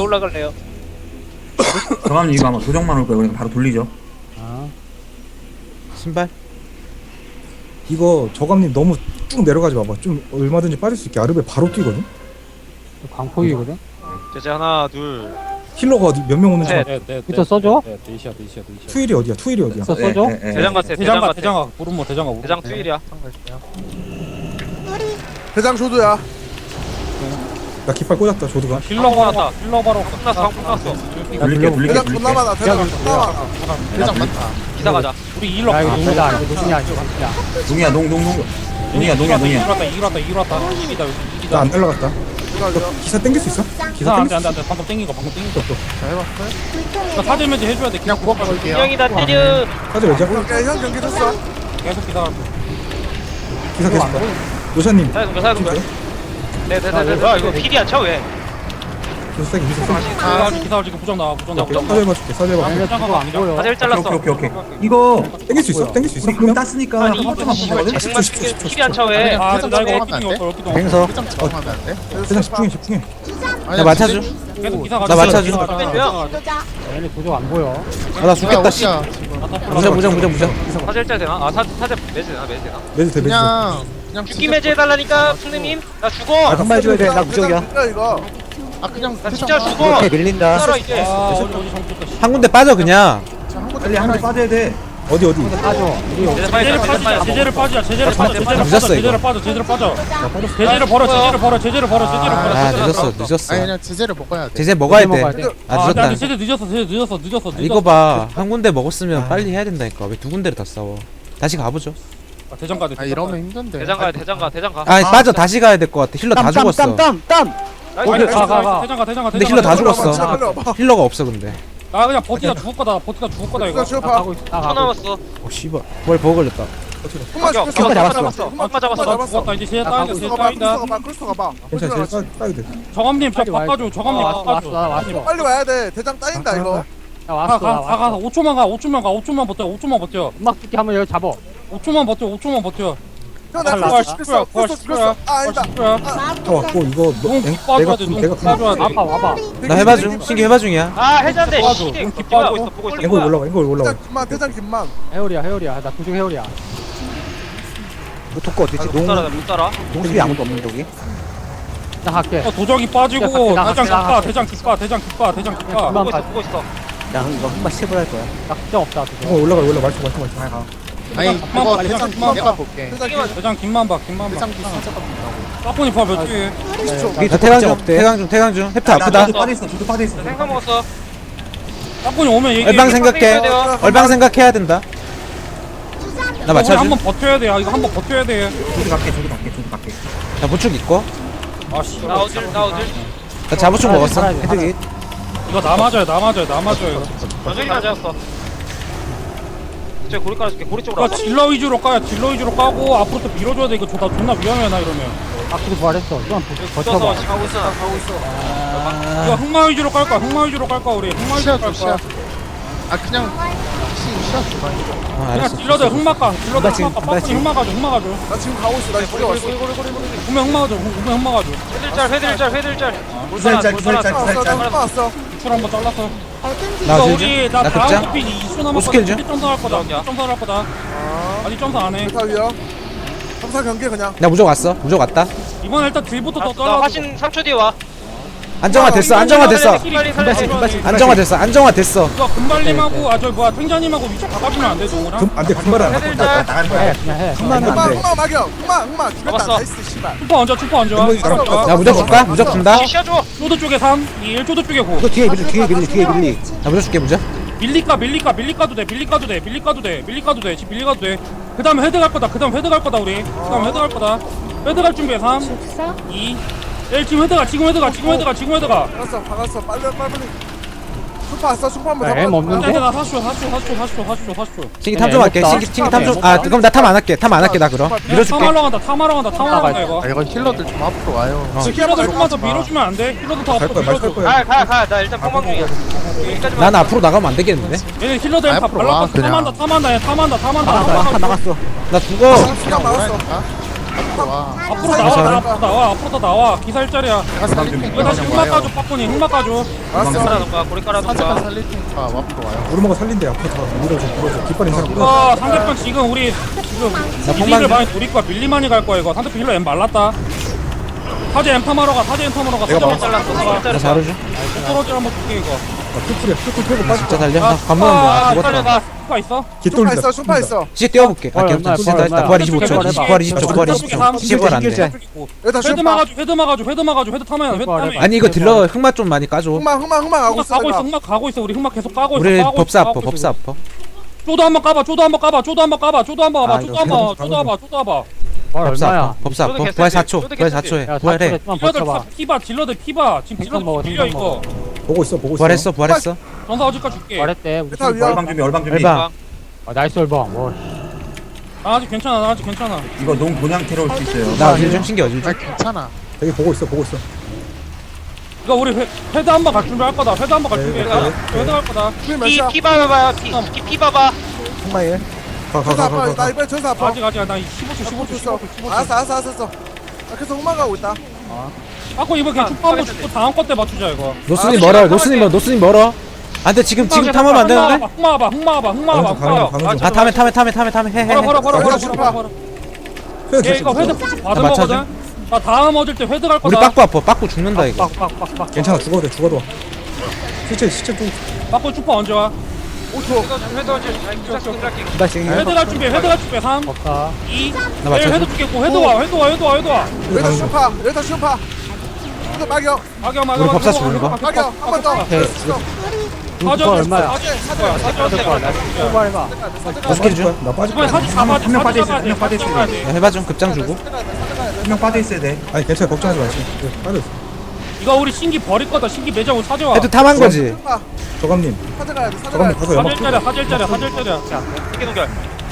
올라갈래요? 정함님 이거 아마 도적만 올 거예요. 그러니까 바로 돌리죠. 아, 신발? 이거 저감님 너무 쭉 내려가지 마봐. 좀 얼마든지 빠질 수 있게. 아르베 바로 뛰거든. 광폭이거든? 이제 하나 둘 힐러가 어디 몇 명 오는지. 셋. 부터 써줘? 투일이 어디야? 투일이 어디야? 부터 예, 써줘? 예, 예. 대장 같아 대장 같아 대장아 부르모 대장아 대장 투일이야 대장 조도야. 나 깃발 꽂았다. 조드가. 힐러 바로 힐러 바로 끝났어 방 끝났어 돌릴게. 대장 존나 많아. 대장 존나 많아. 대장 많다 기사 가자 우리 힐러 야, 이거 누구다. 이거 누구냐, 이거 누구냐. 농이야 농. 농이야. 이겼다 이기다 나 안 날라갔다. 기사 땡길 수 있어? 기사 땡길 수 있어? 안돼 방금 땡긴 거 나 사질 면제 해줘야 돼 그냥 구박 갈게요 인형이다 때려 사실 왜죠? 오케이 형 경기 줬어. 계속 기다려 기사 계속 봐. 노샤님. 사야둔 거야 네네네네 뭐야 이거 필이 안 차 왜? 기사 세게 기사 세게. 기다려 지금 부정 나와 부정 나와 사제 해봐줄게. 사제 해봐. 아니야, 그거 안 보여. 사제 잘랐어 오케이. 이거 땡길 수 있어? 땡길 수 있어? 우리 금 땄으니까 아니 한 이거 번만 씨발 보거든. 재생만 쓰게 필이 안 차 왜? 아 대장 나 이거 하면 얼기둥이 없어 얼기둥 뱅서. 대장 집중해. 나 맞춰줘. 계속 기사 나 맞춰줘. 얘네 도저 안 보여. 아, 나 죽겠다, 씨. 무장. 사제 짤 되나? 아 사제 매즈 되나 매즈 되나? 매즈 대 매즈. 그냥 죽기 매즈 해달라니까 플레님 나 죽어 한발 줘야 돼. 나 무적이야. 이거. 아 그냥 나 진짜 죽어 밀린다. 따라 이제 어디 정쳤다 한 군데 빠져, 그냥. 빨리 하나 빠져야 돼. 어디? 빠져. 우리 제재 빨리 제재를 빠지자 제재를 빠져 늦었어, 이거. 제재를 빠져 제재를 벌어 아, 늦었어. 그냥 제재를 먹어야 돼. 제재 먹어야 먹어야 돼. 돼. 아, 늦었다. 제재 늦었어 이거 봐. 한 군데 먹었으면 빨리 해야 된다니까. 왜 두 군데를 다 싸워? 다시 가보죠. 대장 가야 돼 아 이러면 힘든데. 대장 가야 대장 가 아, 빠져. 다시 가야 될 것 같아. 힐러 다 죽었어. 나이스 가 근데 힐러 다 죽었어. 빨리 와봐. 힐러가 없어, 근데. 나 그냥 버티다 죽을 거다 이거 이거 줘 봐. 가고 있어. 나 10초 가고 남았어 어, 씨발. 뭘 버거 걸렸다. 흑마 가격 죽였어. 잡았어 흑마 잡았어 죽었다 이제 제재 따인다 제재 크루스가 봐. 따인다 크루스가 봐. 크루스가 봐. 괜찮아. 제일 따야 돼. 정함님 저 빨리 와야 바꿔줘 정함님 왔어, 바꿔줘 왔어. 빨리 와야 돼. 대장 따인다 이거. 나 왔어. 나 가 왔어. 5초만 버텨 음악 듣기 한번 여기 잡어. 5초만 버텨 형나 잘 크루스 나와. 죽였어. 부활 크루스 죽였어. 아 아니다. 다 왔고 이거 눈 내가 빠져야 돼 내가 빠져야 돼 와봐. 나 해봐 중. 신기 해봐 중이야. 아 해잔데 빠져. 시대 눈 보고 있어 보고 있어 앵글 올라가. 앵글 올라가. 대장 김만. 대장 김만. 해오리야. 나 도중 해오리야. 독거 어디지? 못 따라 못 따라 동숲이 아무도 없는 독이? 나 갈게. 도적이 빠지고 야, 대장 나 대장 기빠 그만 보고 있어 야, 이거 흑마 시eb을 할 거야. 나 걱정 없다. 도저. 올라가. 말초. 아니 그거 대장 그만 내가 볼게. 대장 김만 봐 대장 진짜 깜짝이야. 까뿐이 봐몇 개. 나 태강 중. 햅트 아프다. 저도 빠져있어. 생선 먹었어 까뿐이 오면 얘기해 얼방 생각해야 된다. 나 맞춰줘. 한번 버텨야 돼 이거 한번 버텨야 돼 저도 갈게. 나 보축 있고. 아씨 나 어질 나 자부축 먹었어. 살아야 돼, 헤드기. 이거 나 맞아요 완전히 맞았어 저 고리 깔아줄게 고리 쪽으로 그러니까 와봐 딜러 위주로 까고 앞으로 또 밀어줘야 돼 이거 존나 위험해 나 이러면 아크도 부활했어. 좀만 붙어서 버텨봐. 지금 하고 있어 이거 흑마 위주로 깔 거야 우리 흑마 위주로 깔 거야 아 그냥 시야 아, 그냥 알았어. 딜러들 흑마 까 빠꾸니 흑마 가줘 나 지금 가고 있어. 나 거기 왔어. 구매 흑마 가줘 회들짤 기살짤. 나 왔어. 줄 한번 잘랐어 나 이거 줄 우리 나 다음 극장? 코핀 2초 오스킬 줄? 남았거든 점사 할 거다 아직 점사 안해 대타위야. 점사 경기 그냥. 나 무적 왔어. 무적 왔다. 이번에 일단 딜부터 더 나 잘라 화신 3초 뒤에 와 안정화됐어. 이거 금발님하고 탱자님하고 위쪽 바꿔주면 안 돼, 동우랑? 안돼. 금발 안. 회들짤 해, 그냥 해. 금발은 흑마 안 돼. 흑마 막여. 흑마 죽였다. 잡았어. 나이스 씨발. 추퍼 얹어. 나 무적 줄까? 무적 준다. 시셔줘 쪼드 쪽에 3, 2, 1, 쪼드 쪽에 9. 이거 뒤에 밀리. 나 무적 줄게, 무적. 밀리까도 돼. 집 밀리가도 돼. 그 다음에 헤드 갈 거다, 우리. 그 다음에 헤드 갈 거다. 헤드 갈 준비해, 3, 2, 1, 지금 헤드 가. 박았어. 빨리. 수파 왔어. 수파 한번 야, M 없는데? 헤드가 40초. 신기 탐 좀 할게. 신기 탐 좀. 아, 그럼 나 탐 안 할게. 나 그럼. 밀어줄게. 탐하러 간다, 이거. 아 이거 힐러들 좀 앞으로 와요. 힐러들 조금만 더 밀어주면 안 돼? 힐러들 더 앞으로 갈 밀어줘. 거야. 가 일단 뻥망 중이야 여기까지만 난 앞으로 나가면 안 되겠는데? 얘네 힐러들 다 앞으로 와, 발랐고 그냥. 탐한다. 나 죽어. 시간 막았어. 와. 앞으로 나와 앞으로 나와 앞으로 더 나와 기사 일자리야 내가 살릴 테니까 이거 다시 그냥 흑막 와요. 까줘 빠꾸니 흑막 까줘 알았어. 깔아놓을까 고리 사제가 깔아놓을까 살릴 테니까 앞으로 와요. 오르마가 살린대 앞으로 다 밀어줘 깃발 인상 밀어줘 이거 상대편 지금 우리 지금 이득을 많이 노릴 거야 밀리만이 갈 거야 이거 상대편 힐러 M 말랐다 사제 엠팜하러 가 사제 엠팜하러 가 사제 잘랐어 나 잘랐어 자르죠. 떨어질 한번 줄게 이거 풀풀이야 풀풀 펴고 빠져 진짜 달려. 나 관문은 뭐야? 죽었다. 슈파 있어? 깃 슈파 돌린다 있어 슈파 있어. 시 띄워볼게. 아, 얼마야, 기억 진짜 얼마야. 부활 25초. 해봐. 부활 20초. 부활 20초. 10월 안 돼. 여기다 헤드 슈파. 막아줘 헤드 막아줘 헤드 막아줘 헤드 타면 헤드 타면 아니 이거 딜러 흑마 좀 많이 까줘. 흑막 하고 흑막 있어. 가고 있어 내가. 흑막 가고 있어 우리 흑막 계속 까고 있어 우리 까고 법사 있어, 아퍼. 까고 법사 있어. 아퍼. 쪼도 한번 까봐 쪼도 한번 까봐 쪼도 한번 까봐 쪼도 한번 아, 와봐 이거 쪼도 한번 계속 쪼도 와봐 쪼도 와봐 법사 얼마야? 아퍼. 법사 아퍼. 쪼도 부활 개새끼, 4초. 쪼도 부활 개새끼. 4초에. 야 부활해. 만 딜러들 버텨봐. 다 피바 딜러들 피바 지금 잠깐 딜러들 먹어, 밀려 잠깐 이거 보고 있어 부활했어. 부활했어. 전사 어디까 줄게 말했대 우리 메타 위험. 얼방 준비 얼방 준비. 얼방. 나이스 얼방 뭐 나 아직 괜찮아 나 아직 괜찮아 이거 농 본향 테러 올수 있어요. 나 어질 좀 신경 어질 아 좀. 괜찮아. 되게 보고 있어 이거 우리 헤드 한번 갈 준비 할 거다 헤드 한번 갈 네, 준비 네, 헤드 갈 거다 피 몇이야? 피 봐봐요 피 봐봐 흑마에 전사 아파. 나 가가가가 이번에 전사 아파. 아직 나 15초 15초 있어. 15초 알았어. 나 계속 흑막 가고 있다. 아까 이번 그냥 축구 한번 죽고 다음 거 때 맞추자 이거 노스님 멀어. 노스님 멀어. 아 근데 지금 탐하면 안 되는데? 흑마 봐봐 가는 중 아 타면 해. 바로 슈파. 얘 이거 헤드 포츠 받은 나 맞춰줘? 거거든 나 다음 얻을 때 헤드 갈 우리 거다 빠꾸 아파. 빠꾸 죽는다 이거. 빡빡빡빡 괜찮아 죽어도 시체 좀 바꿔 슈퍼 언제 와 5초. 헤드 갈 준비 3 없다 2 나 맞춰줘. 헤드 죽겠고 헤드 와 여기다 슈파. 또 막여. 막여 우리 법사 죽는 거? 막여. 한 번 더. 사전 얼마야? 사전 해봐 어떻게 줘? 나 빠질 이번에 거야 사진 잡아 한명 빠져있어, 한명 빠져있어. 야, 해봐 좀 급장 주고. 한 명 빠져 있어야 돼. 아니 괜찮아 걱정하지 마 지금 빠져 있어 이거 우리 신기 버릴 거다 신기 매장 우리 사제 와 해도 탐한 거지. 슈파. 저감님 사제 가야 돼. 저감님 가서 연막 사절짜리야 이게 동결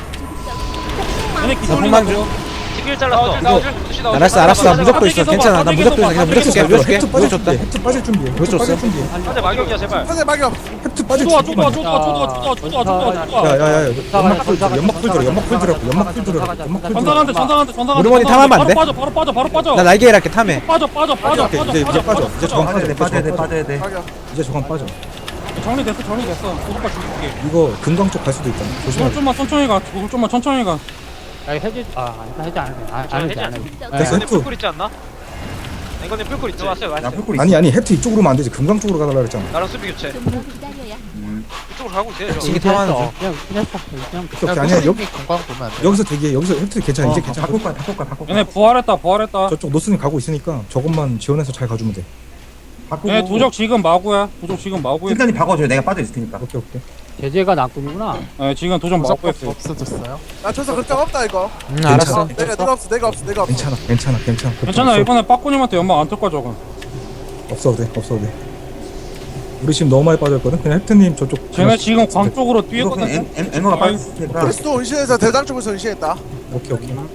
얘네 나 기술이 폭망 중. 지길 잘랐어 알았어. 나 무적도 있어. 괜찮아. 나 무적도 있어. 그냥 무적 줄게. 무적 줄게. 헵트 무적 빠질 줬다. 준비해 헵트 빠질 준비해 왜 줬어? 사제 막역이야 제발 사제 막여. 헵트 빠질 쪼도와 준비만 쪼도와 야야야 연막 풀 들어라고 전사한테 우르머니 탐하면 안 돼? 바로 빠져 나 날개 일할게 탐해. 빠져 이제 빠져 이제 저감 빠져야 돼 빠져야 돼. 막여. 이제 저감 빠져 정리됐어 오빠 줄게 이거 금강 쪽 갈 수도 있잖아 조심하자 좀만 천천히 가 야 해지 아니다 해지 안 해. 됐어, 이거는 헵트. 풀꿀 있지 않나? 이거는 풀꿀 있지 왔어요 나 풀꿀 있어. 아니 헵트 이쪽으로 오면 안 되지 금강 쪽으로 가달라 그랬잖아 나랑 수비 교체 이쪽으로 가고 있어요 저 지기 탐하는 중. 그냥 했어 그냥 오케이 아니야 여기 건강 보면 안 돼. 여기서 대기해 여기서 헵트 괜찮아 이제 괜찮아 바꿀 거야. 얘네 부활했다 저쪽 노스님 가고 있으니까 저것만 지원해서 잘 가주면 돼 바꾸고. 얘네 도적 지금 마구야 일단이 박아줘요. 내가 빠져 있을 테니까. 오케이 제재가 낙군이구나 예 지금 도적 무조건 마구했어 없어졌어요. 나 전사 걱정 없다 이거. 알았어. 내가 없어. 괜찮아 괜찮아 이번에 빠꾸님한테 연막 안뜰 거야 저거 없어도 돼 우리 지금 너무 많이 빠졌거든 그냥 헵트님 저쪽 쟤네 지금 광 쪽으로 이거 뛰었거든 그냥 앵어가 빠졌을 테니까. 그리스도 은신에서 대장 쪽에서 은신했다. 오케이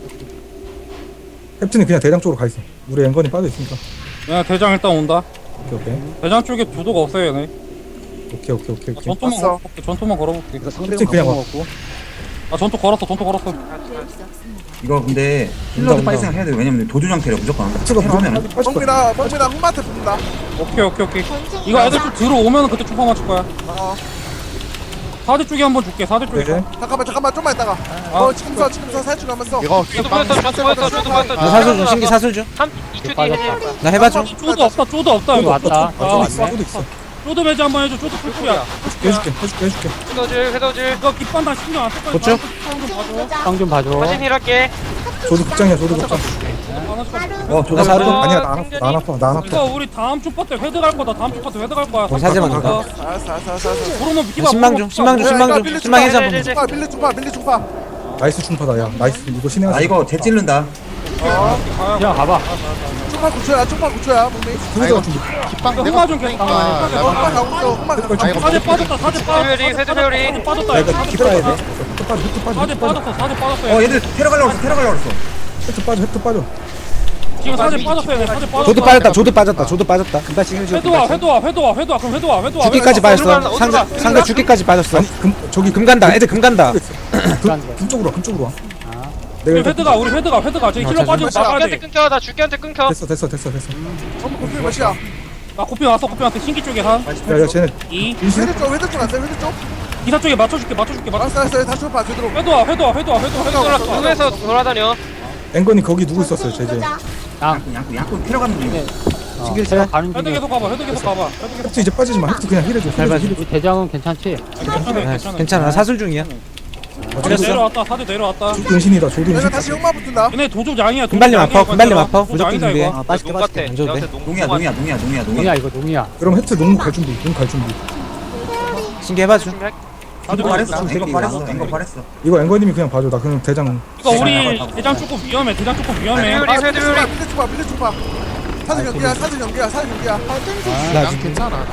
헵트님 그냥 대장 쪽으로 가 있어 우리 앵건이 빠져 있으니까 얘네 대장 일단 온다 오케이 대장 쪽에 두도가 없어요 얘네 오케이 전투만 걸어볼게 헵트 그냥 와 아 전투 걸었어 이거 근데 힐러도 빨리 생각해야 돼. 왜냐면 도주장 테러 무조건. 헵트가 테러 하면은. 빠질 거야 멍미랑 흑마한테 붙는다. 오케이 이거 애들 좀 들어오면 그때 초파 맞출 거야 어. 사대 쪽에 한번 줄게 사대 쪽에 네. 잠깐만 좀만 있다가. 지금 서 살줄 가면서. 이거 저도 보였어 나 사술 중. 신기 사술 중. 2초 뒤에 해제 나 해봐 좀. 쪼도 없다 이거 왔다 쪼도 있어 쪼도 매지 한번 해줘 쪼도 풀풀이야 해줄게 헤더질 이거 깃반당 신경 안쓸 거야 고쳐? 쌍좀 봐줘 사진 힐할게 저도 극장이야 저도 극장 저거 나 사료. 아니야 나 안 아파 이거 우리 다음 초파 때 회드 갈 거다 다음 초파 때 회드 갈 거야 우리 사제만 간다. 알았어. 부르면 비키바 신망 중. 신망 해자 한번. 중파 밀리 중파. 나이스 충파다 야 나이스 이거 신의 아 이거 재 찌른다. 그냥 가봐 중파 9초야 멍미. 그래서 준비 깃방 흑마 좀 계속 흑마 가고 있어. 흑마 가고 있어. 사제 빠졌다 헤드 회오리 빠졌다 야 이거 깃발 해야 돼 사제 빠졌어 얘들 테러 가려고 했어. 헵트 빠져 지금 사제 빠졌어요 사제 빠졌어 조드 빠졌다. 회도 와 그럼 회도 와 죽기까지 빠졌어. 상대 죽기까지 빠졌어. 아니 저기 금 간다. 애들 금 간다. 금쪽으로 와 우리 헤드가 저기 힐러 빠지고 나가야 죽기한테 돼. 끊겨. 나 죽기한테 끊겨. 됐어. 전부 고필 몇이야? 나 고피 왔어. 고피 왔어. 신기 쪽에 한 야 쟤네 2. 헤드 쪽 안돼 헤드 쪽. 기사 쪽에 맞춰줄게. 알았어 다시 봐 제대로. 회도. 누에서 돌아다녀. 앵건이 거기 누구 있었어요 제재. 양꾼 필요가는 중이야. 제가 가는 헤드 중에 계속 가봐. 헵트 이제 빠지지 마. 헵트 그냥 힐해줘. 잘 봐줘. 우리 대장은 괜찮지? 괜찮아. 나 사술 중이야. 그래 내려왔다. 사대 내려왔다. 조도 은신이다. 조도 내가 은신. 다시 흑마 붙는다. 얘네 도적 양이야. 금발님 아파. 금발님 아파. 도적 무조건 아니다, 준비해. 이거. 빠질게 같아. 안 줘도 돼. 농이야. 농이야 이거 농이야. 그럼 헵트 농 갈 준비. 농 갈 준비. 신기해봐줘. 이거 발했어. 이거 발했어. 이거 앵건님이 그냥 봐줘. 나 그냥 대장. 이거 우리 대장 조금 위험해. 헤드 뷰리. 밑에 쪽 봐. 사진 연기야. 나 지금 괜찮아.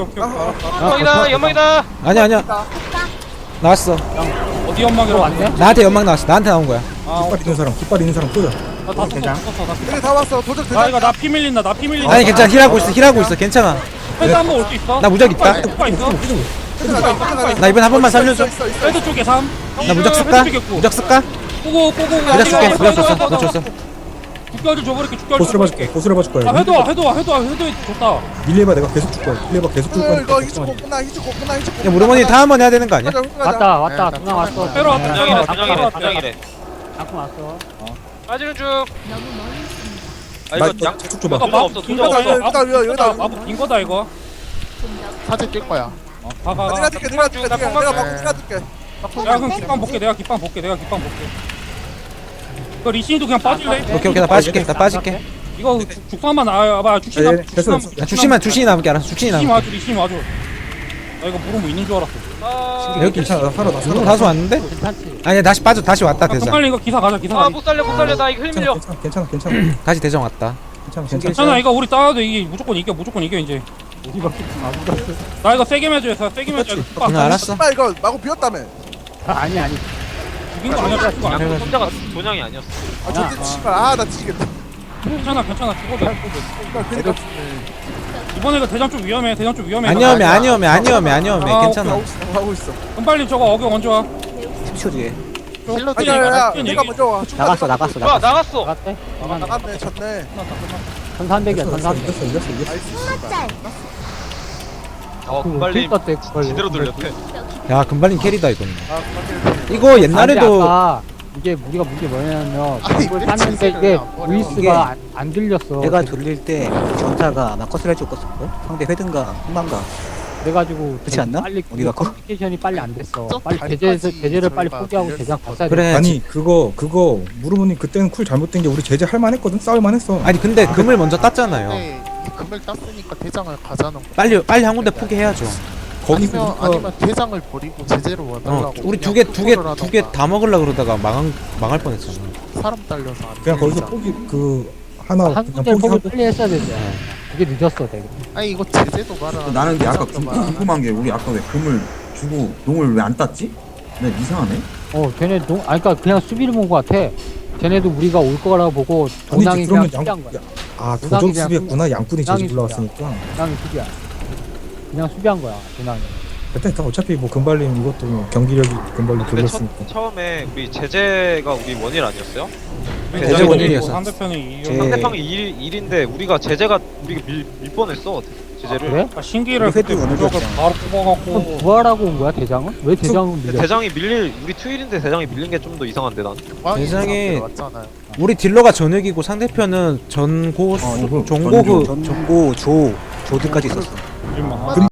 연막이다. 아니야. 나왔어. 어디 연막이라고 왔네? 나한테 연막 나왔어. 나한테 나온 거야. 깃발 있는 사람 꽂아. 나 여기 다 왔어. 도적 나 대장. 이거 나 피 밀린다. 아니 괜찮아. 힐하고 있어. 괜찮아. 헤드 한번 올 수 있어? 나 무적 있다. 누가 있어? 나 이번 한 번만 살려줘. 헤드 쪽에 3. 나 무적 쓸까? 무적 쓸까? 꼬고. 무적 쓸게. 무적 줬어. 너 줬어. 죽겨줄 줘버릴게. 보스를 봐줄게. 보스를 봐줄 거야. 아 헤드 와. 좋다. 밀레바 내가 계속 줄 거야. 밀레바 계속 줄 거야. 이거 히치고 끝나. 야 무르머니 다 한 번 해야 되는 거 아니야? 왔다. 누나 왔어. 때려 왔다. 도장이래. 잠깐 왔어. 빠지는 중. 아 나 이거 양 계속 줘봐. 도장 없어. 빈 도장 거다 없어. 이거. 여기다. 마법 빈 거다 이거. 사진 낄 거야. 가가. 내가 줄게. 내가 줄게. 야 그럼 깃방 볼게. 내가 깃방 볼게. 그 리신이도 그냥 빠질래? 오케이 나 빠질게. 이거 죽상만 나와봐. 죽신 됐어. 야 죽신이 남게 알았어. 죽신이 남게. 리신 와줘. 나 이거 물으면 있는 줄 알았어. 여기 괜찮아. 나 살아. 누구 다수 왔는데? 괜찮지? 아니야 다시 빠져. 다시 왔다 대장. 빨리 이거 기사 가자. 못 살려. 나 이거 흘밀려. 괜찮아. 다시 대장 왔다. 괜찮아 이거 우리 싸워도 이게 무조건 이겨 이제. 나 이거 세게 매줘야 세게 매줘야. 응 알았어. 빨리 이거 마구 비었다며. 아니. 죽인 거 아니야. 죽인 거 아니야. 혼자가 도장이 아니었어. 저때 씨발 나 뒤지겠다. 괜찮아 죽어도 돼. 그러니까 이번에 이거 대장 좀 위험해. 아니오메 괜찮아. 하고 있어. 그럼 빨리 저거 어겨 먼저 와. 10초 뒤에. 아니야. 내가 먼저 와. 나갔어. 뭐야 나갔어. 나갔대? 나갔네. 졌네. 1300이야 1300. 이겼어. 금발님 떴대 제대로 돌렸대. 야 금발님 캐리다 이건. 아, 이거 옛날에도 아까 이게 우리가 문제 뭐냐면 아니, 이걸 땄는데 이게 보이스가 안 들렸어. 내가 돌릴 때 전사가 마커스를 줬었고 상대 회든가 흥망가 그래가지고 그렇지 않나? 빨리 어디가 커? 커뮤니케이션이 빨리 안 됐어. 저 빨리 다리까지 제재를 빨리 저희가 포기하고 그 대장 봤어야 그래. 아니 그거 무르모님 그때는 쿨 잘못된 게 우리 제재 할만했거든. 싸울만했어. 아니 근데 금을 먼저 땄잖아요. 네, 금을 땄으니까 대장을 가자는 거. 빨리 한 군데 포기해야죠. 거기 아니면 대장을 버리고 제재로 와달라고. 우리 두 개 다 먹으려 그러다가 망할 뻔했잖아. 사람 딸려서 안 그냥 돼, 거기서 대장. 포기 하나 한 그냥 군데 포기 포기하고 빨리 했어야 되지. 그게 늦었어 되게. 아니 이거 제재도 말아. 나는 근데 아까 궁금한 게 우리 아까 왜 금을 주고 농을 왜 안 땄지? 나 이상하네. 쟤네 그러니까 그냥 수비를 본 것 같아. 쟤네도 우리가 올 거라고 보고 도낭이 아니지 그냥 그러면 수비한 거야. 도적 그냥 수비했구나. 양꾼이 제재 도낭이 올라왔으니까. 도낭이 수비야. 그냥 수비한 거야 도낭이. 그때 다 어차피 뭐 금발님 이것도 뭐 경기력이 금발로 근데 돌렸으니까. 처음에 우리 제재가 우리 원일 아니었어요? 제재 원일이었어. 상대편이 제- 상대방이 1인데 우리가 제재가 우리가 밀 뻔했어 제재를. 그래? 신기를 회도 그때 어느 무적을 정도 바로 그럼 뽑아갖고 부활하고 온 거야 대장은? 왜 대장은 밀려? 대장이 밀릴 우리 투일인데 대장이 밀린 게 좀 더 이상한데 난. 대장이- 왔잖아요. 우리 딜러가 전역이고 상대편은 전고수 이거 종고그 전고 조드까지 있었어. 밀만. 금